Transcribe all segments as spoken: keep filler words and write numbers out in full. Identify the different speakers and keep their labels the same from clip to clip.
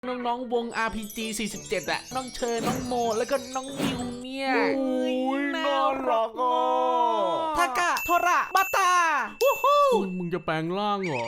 Speaker 1: น้องๆวง อาร์ พี จี สี่สิบเจ็ด อะน้องเชอร์น้องโมแล้วก็น้องมิวเนี่ย
Speaker 2: โอ้ยน่ารักอ่ะ
Speaker 1: ทากะโทระบัตตาวู้ฮู้
Speaker 2: มึงจะแปลงร่างเหรอ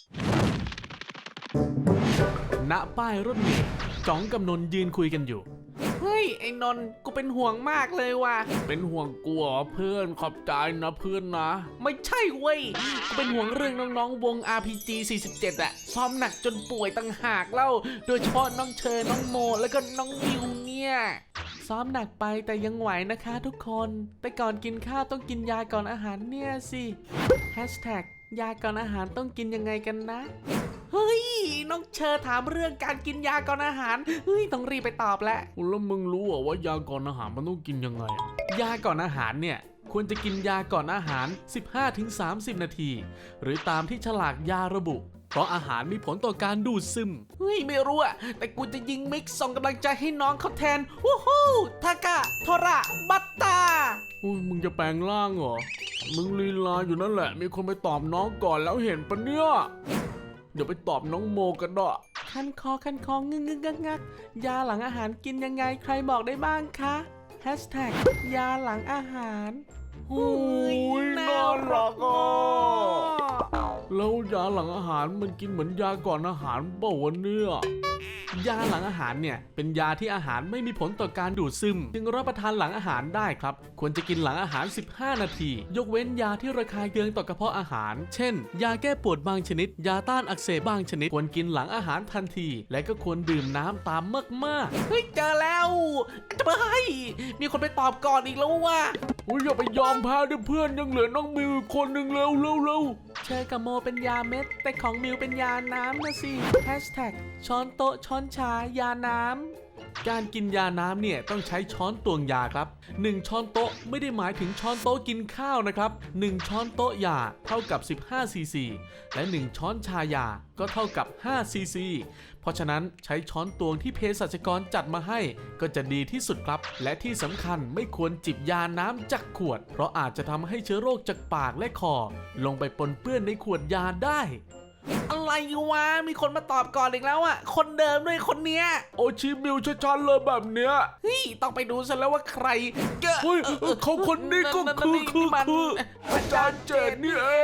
Speaker 1: ณป้ายรถเมล์จ๋องกับนนท์ยืนคุยกันอยู่เฮ้ยไอ้นนท์กูเป็นห่วงมากเลยว่ะ
Speaker 2: เป็นห่วงกูเหรอเพื่อนขอบใจนะเพื่อนนะ
Speaker 1: ไม่ใช่เว้ยกูเป็นห่วงเรื่องน้องๆวง อาร์ พี จี สี่สิบเจ็ด อะซ้อมหนักจนป่วยตั้งหากเล่าโดยเฉพาะน้องเชอร์น้องโมแล้วก็น้องมิวเนี่ยซ้อมหนักไปแต่ยังไหวนะคะทุกคนแต่ก่อนกินข้าวต้องกินยาก่อนอาหารเนี่ยสิแฮชแท็กยาก่อนอาหารต้องกินยังไงกันนะเฮ้ยน้องเชอร์ถามเรื่องการกินยาก่อนอาหารเฮ้ยต้องรีบไปตอบแล้ว
Speaker 2: แล้วมึงรู้เหรอว่ายาก่อนอาหารมันต้องกินยังไงอะ
Speaker 1: ยาก่อนอาหารเนี่ยควรจะกินยาก่อนอาหาร สิบห้าถึงสามสิบ นาทีหรือตามที่ฉลากยาระบุเพราะอาหารมีผลต่อการดูดซึมเฮ้ยไม่รู้อะแต่กูจะยิงมิกซ์ส่งกำลังใจให้น้องเขาแทนวู้ฮู้ทากะโทระบัตตา
Speaker 2: โอ้ยมึงจะแปลงร่างเหรอมึงลีลาอยู่นั่นแหละมีคนไปตอบน้องก่อนแล้วเห็นปะเนี่ยเดี๋ยวไปตอบน้องโมกันดะ
Speaker 1: คันคอคันคองึงงึงงักงักยาหลังอาหารกินยังไงใครบอกได้บ้างคะแฮชแท็กยาหลังอาหารโอ้ย
Speaker 2: น่ารักอ่ะแล้วยาหลังอาหารมันกินเหมือนยาก่อนอาหารเปล่าวะเนี่ย
Speaker 1: ยาหลังอาหารเนี่ยเป็นยาที่อาหารไม่มีผลต่อการดูดซึมจึงรับประทานหลังอาหารได้ครับควรจะกินหลังอาหารสิบห้านาทียกเว้นยาที่ระคายเคืองต่อกระเพาะอาหารเช่นยาแก้ปวดบางชนิดยาต้านอักเสบบางชนิดควรกินหลังอาหารทันทีและก็ควรดื่มน้ำตามมากๆเฮ้ยเจอแล้วจะไปมีคนไปตอบก่อนอีกแล้วว่ะ
Speaker 2: โอ้ยอย่าไปยอมแพ้ดิเพื่อนยังเหลือน้องมิวอีกคนหนึ่งเร็วเร็วเร็ว
Speaker 1: เชอร์กับโมเป็นยาเม็ดแต่ของมิวเป็นยาน้ำนะสิแฮชแท็กช้อนโต๊ะช้อนชายาน้ำการกินยาน้ำเนี่ยต้องใช้ช้อนตวงยาครับหนึ่งช้อนโต๊ะไม่ได้หมายถึงช้อนโต๊ะกินข้าวนะครับหนึ่งช้อนโต๊ะยาเท่ากับสิบห้าซีซีและหนึ่งช้อนชายาก็เท่ากับห้าซีซีเพราะฉะนั้นใช้ช้อนตวงที่เภสัชกรจัดมาให้ก็จะดีที่สุดครับและที่สำคัญไม่ควรจิบยาน้ำจากขวดเพราะอาจจะทำให้เชื้อโรคจากปากและคอลงไปปนเปื้อนในขวดยาได้อะไรวะมีคนมาตอบก่อนอีกแล้วอ่ะคนเดิมด้วยคนเนี้ย
Speaker 2: โอชิมิวชัดๆเลยแบบเนี้ย
Speaker 1: เฮ้ยต้องไปดูซะแล้วว่าใครเกอะ
Speaker 2: เฮ้ยเขาคนนี้ก็คือคือคืออาจารย์เจดนี่เอง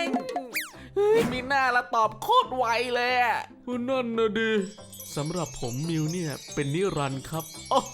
Speaker 1: เฮ้ยมีหน้าละตอบโคตรไวเลยอ่ะ
Speaker 2: นั่นนะดิ
Speaker 1: สำหรับผมมิวเนี่ยเป็นนิรันดร์ครับ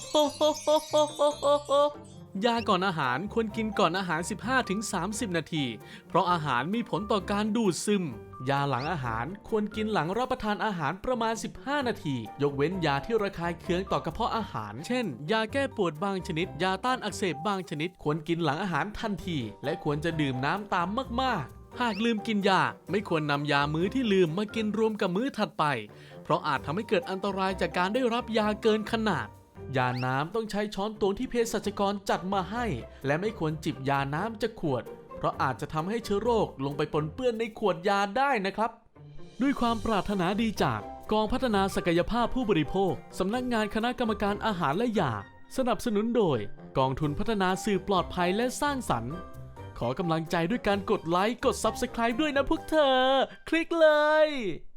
Speaker 1: ยาก่อนอาหารควรกินก่อนอาหาร สิบห้าถึงสามสิบ นาทีเพราะอาหารมีผลต่อการดูดซึมยาหลังอาหารควรกินหลังรับประทานอาหารประมาณสิบห้านาทียกเว้นยาที่ระคายเคืองต่อกระเพาะอาหารเช่นยาแก้ปวดบางชนิดยาต้านอักเสบบางชนิดควรกินหลังอาหารทันทีและควรจะดื่มน้ำตามมากๆหากลืมกินยาไม่ควรนำยามื้อที่ลืมมากินรวมกับมื้อถัดไปเพราะอาจทำให้เกิดอันตรายจากการได้รับยาเกินขนาดยาน้ำต้องใช้ช้อนตวงที่เภสัชกรจัดมาให้และไม่ควรจิบยาน้ำจากขวดเพราะอาจจะทำให้เชื้อโรคลงไปปนเปื้อนในขวดยาได้นะครับด้วยความปรารถนาดีจากกองพัฒนาศักยภาพผู้บริโภคสำนักงานคณะกรรมการอาหารและยาสนับสนุนโดยกองทุนพัฒนาสื่อปลอดภัยและสร้างสรรค์ขอกำลังใจด้วยการกดไลค์กด ซับสไครบ์ ด้วยนะพวกเธอคลิกเลย